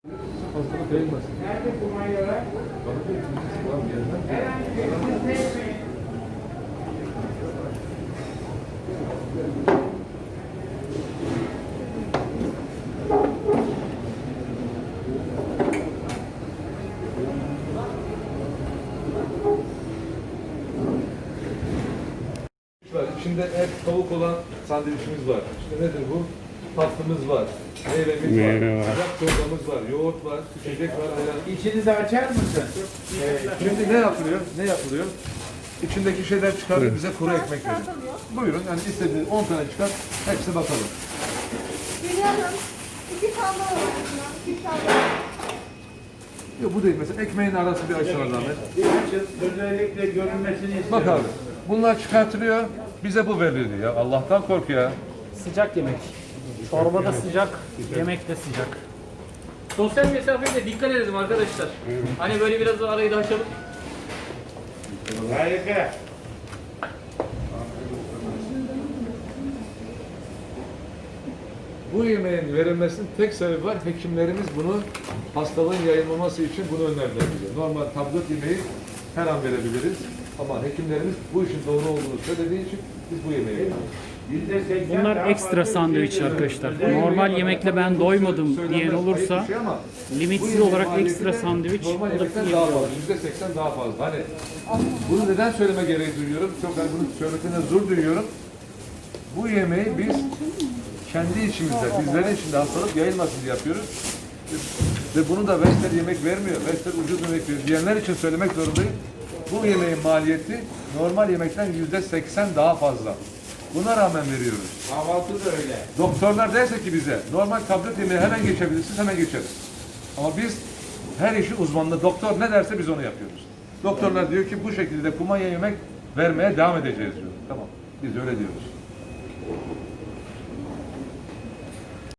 Hastalık yayılmasın. Nerede kumandalar? Var. İçinde et, tavuk olan sandviçimiz var. İşte nedir bu? Tatlımız var. Meyvemiz var. Sıcak çorbamız var. Yoğurt var. İçecek var. Ayran. İçinizi açar mısın? Şimdi ne yapılıyor? Ne yapılıyor? İçindeki şeyler çıkarıyor, bize kuru ekmek veriyor. Buyurun, yani istediğiniz 10 tane çıkar, hepsi bakalım. Biliyorum. 2 tane var. 2 tane. Yok bu değil, mesela ekmeğin arası bir açılan zahmet. Özellikle görünmesini istiyorum. Bak abi, bunlar çıkartılıyor, bize bu veriliyor ya. Allah'tan kork ya. Sıcak yemek. Çorba da sıcak, yemek de sıcak. Sosyal mesafeye de dikkat edelim arkadaşlar. Hani böyle biraz da arayı da açalım. Harika. Bu yemeğin verilmesinin tek sebebi var. Hekimlerimiz bunu hastalığın yayılmaması için bunu önerdiler bize. Normal tablet yemeği her an verebiliriz. Ama hekimlerimiz bu işin doğru olduğunu söylediği için biz bu yemeği veriyoruz. Bunlar ekstra sandviç arkadaşlar. Normal yemekle ben doymadım diyen olursa limitsiz olarak ekstra sandviç normal o da yemekten daha fazla, %80 daha fazla. Hani bunu neden söyleme gereği duyuyorum? Çok hani bunu söylemekten zor duyuyorum. Bu yemeği biz kendi içimizde, bizlerin içinde hastalık yayılmasın diye yapıyoruz. Ve bunu da Vestel yemek vermiyor. Vestel ucuz yemek veriyor diyenler için söylemek zorundayım. Bu yemeğin maliyeti normal yemekten %80 daha fazla. Buna rağmen veriyoruz. Kahvaltı da öyle. Doktorlar derse ki bize normal tablet yemeği hemen geçebilirsiniz, hemen geçeriz. Ama biz her işi uzmanlı, doktor ne derse biz onu yapıyoruz. Doktorlar diyor ki bu şekilde kumanya yemek vermeye devam edeceğiz diyor. Tamam, biz öyle diyoruz.